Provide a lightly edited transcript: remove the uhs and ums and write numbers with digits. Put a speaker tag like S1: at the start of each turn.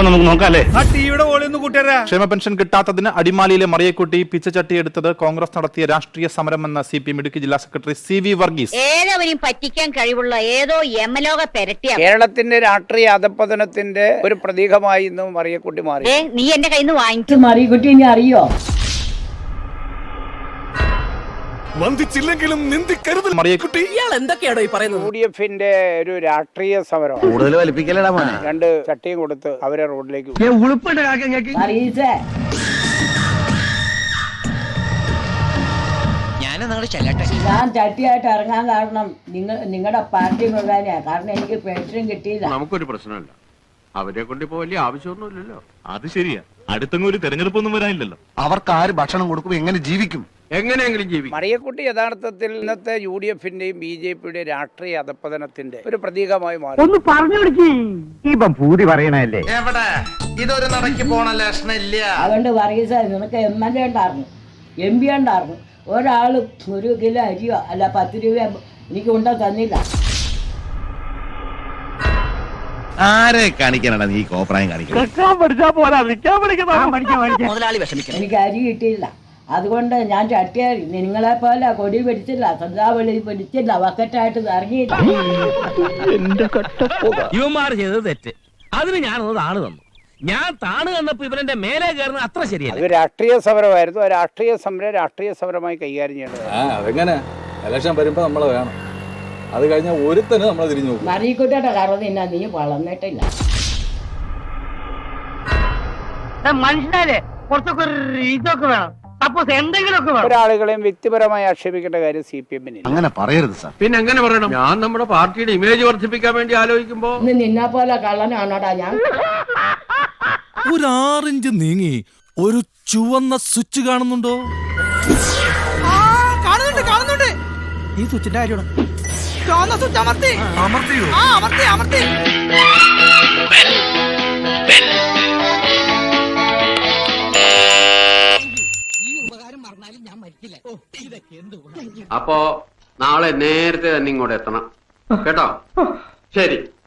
S1: അപ്പൊ നമുക്ക് നോക്കാം അല്ലേ?
S2: ക്ഷേമ പെൻഷൻ കിട്ടാത്തതിന് അടിമാലിയിലെ മറിയക്കുട്ടി പിച്ചച്ചട്ടി എടുത്തത് കോൺഗ്രസ് നടത്തിയ രാഷ്ട്രീയ സമരമെന്ന് CPM ഇടുക്കി ജില്ലാ സെക്രട്ടറി CV വർഗീസ്.
S3: ഏതവരെയും പറ്റിക്കാൻ കഴിവുള്ള ഏതോ യമലോക പെരട്ടിയ
S4: കേരളത്തിന്റെ രാഷ്ട്രീയ അധപ്പതനത്തിന്റെ ഒരു പ്രതീകമായി ഇന്ന് മറിയക്കുട്ടി മാറി.
S3: നീ എന്റെ കയ്യിൽ നിന്ന് വാങ്ങിച്ചു.
S5: മറിയക്കുട്ടി ഇനി അറിയോ?
S6: വന്ദിച്ചില്ലെങ്കിലും നിന്ദിക്കരുത് മറിയക്കുട്ടി.
S7: ഇയാൾ എന്തൊക്കെയാണോ ഈ പറയുന്നത്?
S4: UDF ഒരു രാഷ്ട്രീയ സമരം.
S8: കൂടുതൽ വലിപ്പിക്കലടാ മോനെ.
S4: 2 ചട്ടിയും കൊടുത്ത് അവരെ റോഡിലേക്ക്
S5: മറിയീസേ, ഞാൻ ചട്ടിയായിട്ട് ഇറങ്ങാൻ കാരണം നിങ്ങളുടെ പാർട്ടി മുഖേനയാണ്. കാരണം എനിക്ക് പെൻഷൻ കിട്ടിയില്ല.
S6: നമുക്കൊരു പ്രശ്നമില്ല, അവരെ കൊണ്ട് ഇപ്പോ വലിയ ആവശ്യമൊന്നുമില്ലല്ലോ. അത് ശരിയാ, അടുത്തൊന്നും ഒരു തെരഞ്ഞെടുപ്പൊന്നും വരാനില്ലല്ലോ.
S8: അവർക്ക് ആര് ഭക്ഷണം കൊടുക്കും, എങ്ങനെ ജീവിക്കും?
S6: എങ്ങനെയെങ്കിലും ജീവിക്കും.
S4: മറിയക്കുട്ടി യഥാർത്ഥത്തിൽ ഇന്നത്തെ UDFന്റെയും BJPയുടെയും രാഷ്ട്രീയ അധപ്പതനത്തിന്റെ ഒരു പ്രതീകമായി മാറി.
S8: ഒന്ന് പറഞ്ഞു കൊടുക്കി. ഇപ്പം ഭൂതി പറയണല്ലേ?
S9: എവിടെ ഇതൊരു നടക്കി പോണ ലക്ഷണില്ല.
S5: അതുകൊണ്ട് വർഗീസ, നിനക്ക് MLA ഉണ്ടായിരുന്നു, MP ഉണ്ടായിരുന്നു. ഒരാൾ 1 കിലോ അരിയോ അല്ല 10 രൂപ എനിക്ക് കൊണ്ടു തന്നില്ല.
S8: ആരെ കാണിക്കാനാണ് നീ കോപ്രായം കാണിക്കുന്നത്?
S7: മുതലാളി വിഷമിക്കണം.
S5: എനിക്ക് അരി കിട്ടിയില്ല. അതുകൊണ്ട് ഞാൻ ചട്ടിയായി നിങ്ങളെ പോലെ കൊടി പിടിച്ചില്ല, ശ്രദ്ധാവളി പിടിച്ചില്ല, ബക്കറ്റായിട്ട് ഇറങ്ങിയില്ല.
S7: ഇവന്മാർ ചെയ്തത് തെറ്റ്. അതിന് ഞാനൊന്ന് താണ് തന്നു. ഞാൻ താണ് തന്നപ്പോ ഇവരുടെ മേലെ കയറുന്നത് അത്ര ശരിയല്ല.
S4: അത് രാഷ്ട്രീയ സമരമായിരുന്നു. ആ രാഷ്ട്രീയ സമരമായി കൈകാര്യം ചെയ്യേണ്ടത്.
S10: അതെങ്ങനെ ഇലക്ഷൻ വരുമ്പോ നമ്മളെ വേണം. അത് കഴിഞ്ഞാൽ ഒരുത്തന് നമ്മളെ തിരിഞ്ഞു നോക്കും.
S5: മറിയക്കുട്ടിയുടെ കാരണം തിന്നാ നീ വളർന്നിട്ടില്ല.
S7: മനുഷ്യരെ കുറച്ചൊക്കെ ഇതൊക്കെ വേണം. സപ്പോസ് എന്തെങ്കിലുമൊക്കെ വേണം.
S4: ഒരാളുകളെയും വ്യക്തിപരമായി ആക്ഷേപിക്കേണ്ട കാര്യം CPMന്
S8: അങ്ങനെ പറയരുത് സാർ.
S6: പിന്നെ എങ്ങനെ പറയണം? ഞാൻ നമ്മുടെ പാർട്ടിയുടെ ഇമേജ് വർദ്ധിപ്പിക്കാൻ വേണ്ടി ആലോചിക്കുമ്പോ
S5: ഇന്ന് നിന്നെ പോലെ കള്ളനാണോടാ ഞാൻ?
S6: ഒരു 6 ഇഞ്ച് നീങ്ങി ഒരു ചുവന്ന സ്വിച്ച് കാണുന്നുണ്ടോ?
S7: കാണുന്നുണ്ട്. ഈ സ്വിച്ചിന്റെ കാര്യമാണ്.
S6: അമർത്തിയോ?
S7: അമർത്തി.
S9: അപ്പോ നാളെ നേരത്തെ തന്നെ ഇങ്ങോട്ട് എത്തണം കേട്ടോ. ശരി.